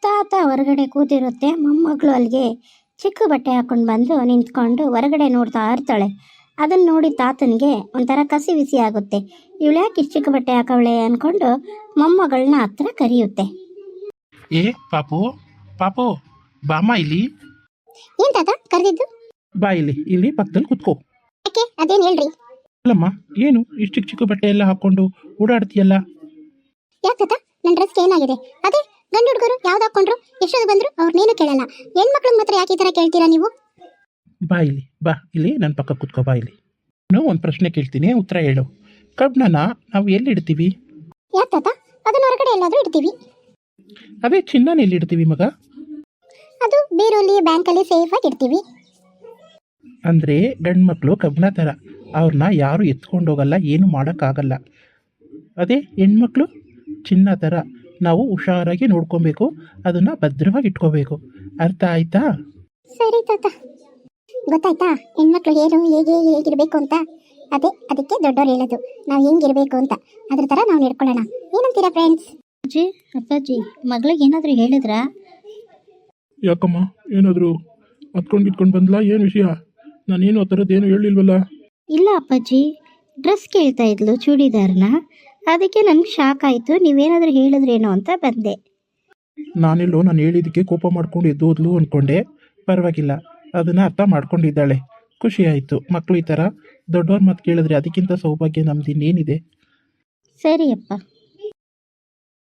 ತಾತ ಹೊರಗಡೆ ಕೂತಿರುತ್ತೆ, ಮೊಮ್ಮಗಳು ಅಲ್ಲಿಗೆ ಚಿಕ್ಕ ಬಟ್ಟೆ ಹಾಕೊಂಡು ಬಂದು ನಿಂತ್ಕೊಂಡು ಹೊರಗಡೆ ನೋಡ್ತಾ ಇರ್ತಾಳೆ. ಅದನ್ನು ನೋಡಿ ತಾತನಿಗೆ ಒಂಥರ ಕಸಿ ವಿಸಿ ಆಗುತ್ತೆ. ಇವಳು ಯಾಕೆ ಇಷ್ಟು ಚಿಕ್ಕ ಬಟ್ಟೆ ಹಾಕವಳೆ ಅಂದ್ಕೊಂಡು ಮೊಮ್ಮಗಳನ್ನ ಹತ್ರ ಕರೆಯುತ್ತೆ. ಏ ಪಾಪು, ಪಾಪು ಬಾಮ್ಮ ಇಲ್ಲಿ. ಏನ್ ತಾತ ಕರೆದಿದ್ದು? ಬಾ ಇಲ್ಲಿ ಪಕ್ಕದಲ್ಲಿ ಕುತ್ಕೋ. ಯಾಕೆ, ಅದೇನು ಹೇಳ್ರಿ. ಅಲ್ಲಮ್ಮ, ಏನು ಇಷ್ಟು ಚಿಕ್ಕ ಚಿಕ್ಕ ಬಟ್ಟೆ ಎಲ್ಲ ಹಾಕೊಂಡು ಓಡಾಡ್ತೀಯಲ್ಲ? ಯಾಕೆ ತಾತ, ನನ್ನ ಡ್ರೆಸ್ಗೆ ಏನಾಗಿದೆ? ಅದೇ ಗಂಡು ಹುಡುಗರು ಯಾವ್ದು ಹಾಕೊಂಡ್ರು ಎಷ್ಟೊಂದು ಬಂದ್ರು ಅವ್ರನ್ನೇನು ಕೇಳಲ್ಲ, ಹೆಣ್ಮಕ್ಳಿಗೆ ಮಾತ್ರ ಯಾಕೆ ಈ ಥರ ಕೇಳ್ತೀರಾ ನೀವು? ಬಾ ಇಲ್ಲಿ ನನ್ನ ಪಕ್ಕ ಕುತ್ಕೋ. ಬಾ ಇಲ್ಲಿ, ನಾನು ಒಂದು ಪ್ರಶ್ನೆ ಕೇಳ್ತೀನಿ, ಉತ್ತರ ಹೇಳು. ಕಬ್ಬನ್ನ ನಾವು ಎಲ್ಲಿ ಇಡ್ತೀವಿ? ಯಾಕೆ ತಾತ, ಅದನ್ನ ಹೊರಗಡೆ ಎಲ್ಲಾದ್ರೂ ಇಡ್ತೀವಿ. ಅದೇ ಚಿನ್ನನ ಎಲ್ಲಿ ಇಡ್ತೀವಿ ಮಗ? ಅದು ಬೀರಲ್ಲಿ, ಬ್ಯಾಂಕಲ್ಲಿ ಸೇಫ್ ಆಗಿ ಇಡ್ತೀವಿ. ಅಂದರೆ ಗಂಡು ಮಕ್ಕಳು ಕಬ್ಬಣ ಥರ, ಅವ್ರನ್ನ ಯಾರು ಎತ್ಕೊಂಡು ಹೋಗಲ್ಲ, ಏನು ಮಾಡೋಕ್ಕಾಗಲ್ಲ. ಅದೇ ಹೆಣ್ಮಕ್ಳು ಚಿನ್ನ ಥರ, ನಾವು ಹುಷಾರಾಗಿ ನೋಡ್ಕೊಬೇಕು, ಅದನ್ನು ಭದ್ರವಾಗಿ ಇಟ್ಕೋಬೇಕು. ಅರ್ಥ ಆಯ್ತಾ? ಸರಿ ತಾತ, ಗೊತ್ತಾಯ್ತಾ? ಹೆಣ್ಮಕ್ಳು ಏನು ಹೇಗಿರ್ಬೇಕು ಅಂತ. ಅದಕ್ಕೆ ದೊಡ್ಡವ್ರು ಹೇಳೋದು ನಾವು ಹೆಂಗಿರ್ಬೇಕು ಅಂತ. ಅದ್ರ ಥರ ನಾವು ನಡ್ಕೊಳ್ಳೋಣ. ಏನಂತೀರಾ ಫ್ರೆಂಡ್ಸ್? ಅಜ್ಜಿ, ಅಪ್ಪಾಜಿ, ಮಗಳಿಗೆ ಏನಾದರೂ ಹೇಳಿದ್ರಾ? ಯಾಕಮ್ಮ, ಏನಾದರೂ ಹತ್ಕೊಂಡು ಬಂದ್ಲಾ? ಏನು ವಿಷಯ? ನಾನೇನು ಆ ಥರದ್ದು ಏನು ಹೇಳಿಲ್ವಲ್ಲ. ಇಲ್ಲ ಅಪ್ಪಾಜಿ, ಡ್ರೆಸ್ ಕೇಳ್ತಾ ಇದ್ಲು, ಚೂಡಿದಾರ್ನ. ಅದಕ್ಕೆ ನನಗೆ ಶಾಕ್ ಆಯಿತು, ನೀವೇನಾದರೂ ಹೇಳಿದ್ರೇನೋ ಅಂತ ಬಂದೆ. ನಾನು ಹೇಳಿದ್ದಕ್ಕೆ ಕೋಪ ಮಾಡ್ಕೊಂಡು ಎದ್ದೋದ್ಲು ಅಂದ್ಕೊಂಡೆ. ಪರವಾಗಿಲ್ಲ, ಅದನ್ನು ಅರ್ಥ ಮಾಡ್ಕೊಂಡಿದ್ದಾಳೆ. ಖುಷಿ ಆಯಿತು. ಮಕ್ಕಳು ಈ ಥರ ದೊಡ್ಡವ್ರ ಮಾತು ಕೇಳಿದ್ರೆ ಅದಕ್ಕಿಂತ ಸೌಭಾಗ್ಯ ನಮ್ದು ಇನ್ನೇನಿದೆ. ಸರಿಯಪ್ಪ.